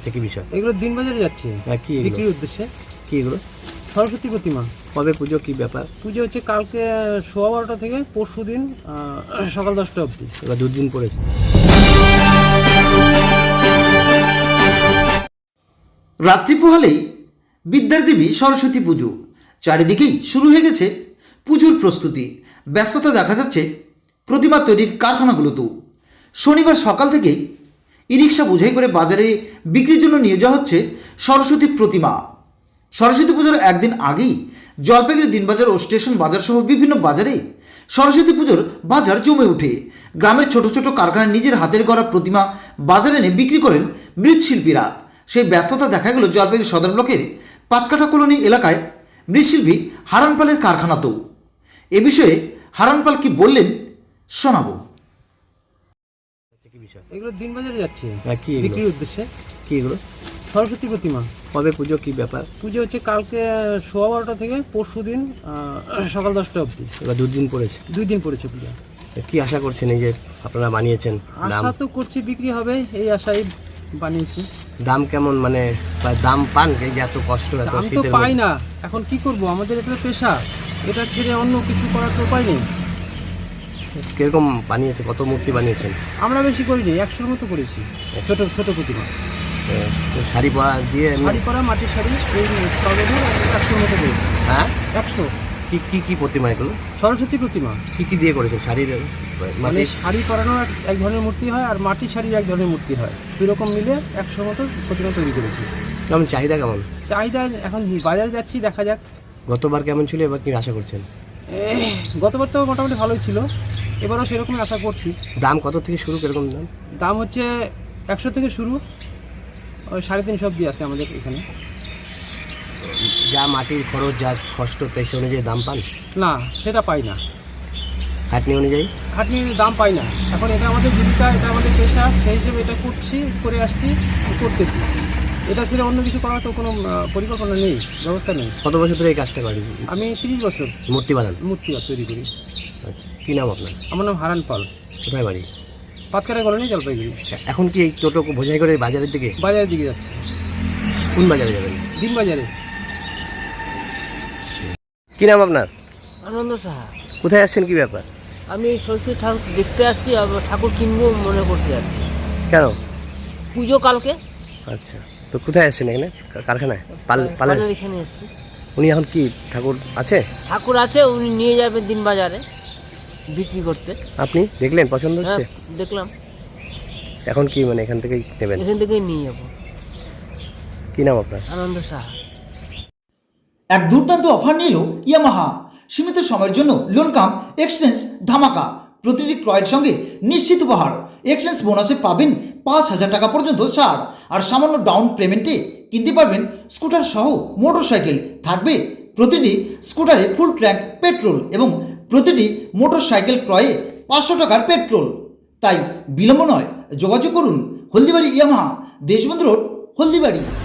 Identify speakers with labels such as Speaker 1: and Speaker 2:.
Speaker 1: কি বিষয়?
Speaker 2: এগুলো দিনবাজারে যাচ্ছে
Speaker 1: কি
Speaker 2: বিক্রির উদ্দেশ্যে।
Speaker 1: কি এগুলো?
Speaker 2: সরস্বতী প্রতিমা।
Speaker 1: কবে পুজো, কি ব্যাপার?
Speaker 2: পুজো হচ্ছে কালকে 12:15 থেকে পরশু দিন সকাল 10টা অবধি।
Speaker 1: এবার দুদিন পড়েছে।
Speaker 3: রাত্রি পোহালেই বিদ্যার দেবী সরস্বতী পুজো, চারিদিকেই শুরু হয়ে গেছে পুজোর প্রস্তুতি। ব্যস্ততা দেখা যাচ্ছে প্রতিমা তৈরির কারখানাগুলোতেও। শনিবার সকাল থেকেই ই রিক্সা বোঝাই করে বাজারে বিক্রির জন্য নিয়ে যাওয়া হচ্ছে সরস্বতী প্রতিমা। সরস্বতী পুজোর একদিন আগেই জলপাইগুড়ি দিনবাজার ও স্টেশন বাজার সহ বিভিন্ন বাজারে সরস্বতী পুজোর বাজার জমে ওঠে। গ্রামের ছোট ছোট কারখানায় নিজের হাতের গড়া প্রতিমা বাজারে এনে বিক্রি করেন মৃৎশিল্পীরা। সেই ব্যস্ততা দেখা গেল জলপাইগুড়ি সদর ব্লকের পাতকাটা কলোনি এলাকায় মৃৎশিল্পী হারান পালের কারখানাতেও। এ বিষয়ে হারান পাল কি বললেন শোনাবো।
Speaker 1: কি বিষয়?
Speaker 2: এগুলো দিনবাজারে যাচ্ছে
Speaker 1: কি
Speaker 2: বিক্রির উদ্দেশ্যে।
Speaker 1: কি এগুলো?
Speaker 2: সরস্বতী প্রতিমা।
Speaker 1: কবে পুজো, কি ব্যাপার?
Speaker 2: পুজো হচ্ছে কালকে 12:15 থেকে পরশু দিন সকাল 10টা অবধি।
Speaker 1: এবার দুদিন পড়েছে।
Speaker 2: 2 দিন পড়েছে পুজো।
Speaker 1: কি আশা করছেন এই যে আপনারা বানিয়েছেন? দাম
Speaker 2: আশা তো করছি বিক্রি হবে, এই আশাই বানিয়েছি।
Speaker 1: দাম কেমন, মানে দাম পান? এই যে এত কষ্ট, এত
Speaker 2: দাম তো
Speaker 1: শীতের
Speaker 2: পাই
Speaker 1: মধ্যে?
Speaker 2: না, এখন কি করব, আমাদের এটা পেশা, এটা ছেড়ে অন্য কিছু করার তো উপায় নেই।
Speaker 1: কিরকম বানিয়েছে, কত মূর্তি বানিয়েছেন?
Speaker 2: আমরা বেশি করিনি, 100-র মতো করেছি। ছোট ছোট প্রতিমা,
Speaker 1: শাড়ি পরা দিয়ে
Speaker 2: শাড়ি পরা, মাটির শাড়ি, এই সবের 100-র মতো করেছি।
Speaker 1: হ্যাঁ,
Speaker 2: 100।
Speaker 1: কি কি কি প্রতিমা এগুলো?
Speaker 2: সরস্বতী প্রতিমা।
Speaker 1: কি কি দিয়ে করেছেন? শাড়ির
Speaker 2: মানে শাড়ি পরানো এক ধরনের মূর্তি হয়, আর মাটির শাড়ির এক ধরনের মূর্তি হয়, দুই রকম মিলে 100-র মতো প্রতিমা তৈরি করেছি।
Speaker 1: কেমন চাহিদা, কেমন
Speaker 2: চাহিদা এখন বাজারে যাচ্ছি, দেখা যাক।
Speaker 1: গতবার কেমন ছিল, এবার কি আশা করছেন?
Speaker 2: গতবার তো মোটামুটি ভালোই ছিল, এবারও সেরকমই আশা করছি।
Speaker 1: দাম কত থেকে শুরু, কিরকম দাম?
Speaker 2: দাম হচ্ছে 100 থেকে শুরু, ওই 350 অবধি আছে আমাদের এখানে।
Speaker 1: যা মাটির খরচ, যা কষ্ট, তাই সে অনুযায়ী দাম পান?
Speaker 2: না, সেটা পাই না,
Speaker 1: খাটনি অনুযায়ী
Speaker 2: খাটনির দাম পাই না। এখন এটা আমাদের জীবিকা, এটা আমাদের পেশা, সেই হিসেবে এটা করছি, করে আসছি, করতেছি। এটা ছেড়ে অন্য কিছু করার তো কোনো পরিকল্পনা নেই, ব্যবস্থা নেই।
Speaker 1: কত বছর ধরে এই কাজটা করেন?
Speaker 2: আমি 30 বছর
Speaker 1: মূর্তি বানান?
Speaker 2: মূর্তি তৈরি করি।
Speaker 1: আচ্ছা, কি নাম আপনার?
Speaker 2: আমার নাম হারান পাল,
Speaker 1: কোথায় বাড়ি?
Speaker 2: পাতকাটা কলোনি, জলপাইগুড়ি।
Speaker 1: এখন কি এই টোটো বোঝাই করে বাজারের দিকে?
Speaker 2: বাজারের দিকে যাচ্ছে।
Speaker 1: কোন বাজারে যাবেন?
Speaker 2: দিনবাজারে।
Speaker 1: কি নাম আপনার?
Speaker 4: আনন্দ সাহা।
Speaker 1: কোথায় আসছেন, কি ব্যাপার?
Speaker 4: আমি সরস্বতী ঠাকুর দেখতে আসছি, ঠাকুর কিনবো মনে করছি আর কি।
Speaker 1: কেন?
Speaker 4: পুজো কালকে।
Speaker 1: আচ্ছা, তো কোথায় আসছেন? এখানে কারখানায়? পালের?
Speaker 4: পালের এখানে এসছি।
Speaker 1: উনি এখন কি ঠাকুর আছে?
Speaker 4: ঠাকুর আছে, উনি নিয়ে যাবেন দিন বাজারে বিক্রি করতে।
Speaker 1: আপনি দেখলেন, পছন্দ
Speaker 4: হ্যাঁ,
Speaker 1: হচ্ছে?
Speaker 4: দেখলাম।
Speaker 1: এখন কি মানে এখান থেকেই নেবেন?
Speaker 4: এখান থেকেই নিয়ে যাবো।
Speaker 1: কি নাম আপনার?
Speaker 4: আনন্দ সাহা।
Speaker 3: এক দুর্দান্ত অফার নিল ইয়ামাহা। সীমিত সময়ের জন্য লোন কাম এক্সচেঞ্জ ধামাকা। প্রতিটি ক্রয়ের সঙ্গে নিশ্চিত উপহার। এক্সচেঞ্জ বোনাসে পাবেন 5,000 টাকা পর্যন্ত ছাড়। আর সামান্য ডাউন পেমেন্টে কিনতে পারবেন স্কুটার সহ মোটরসাইকেল। থাকবে প্রতিটি স্কুটারে ফুল ট্যাঙ্ক পেট্রোল এবং প্রতিটি মোটরসাইকেল ক্রয়ে 500 টাকার পেট্রোল। তাই বিলম্ব নয়, যোগাযোগ করুন হলদিবাড়ি ইয়ামাহা, দেশবন্ধু রোড, হলদিবাড়ি।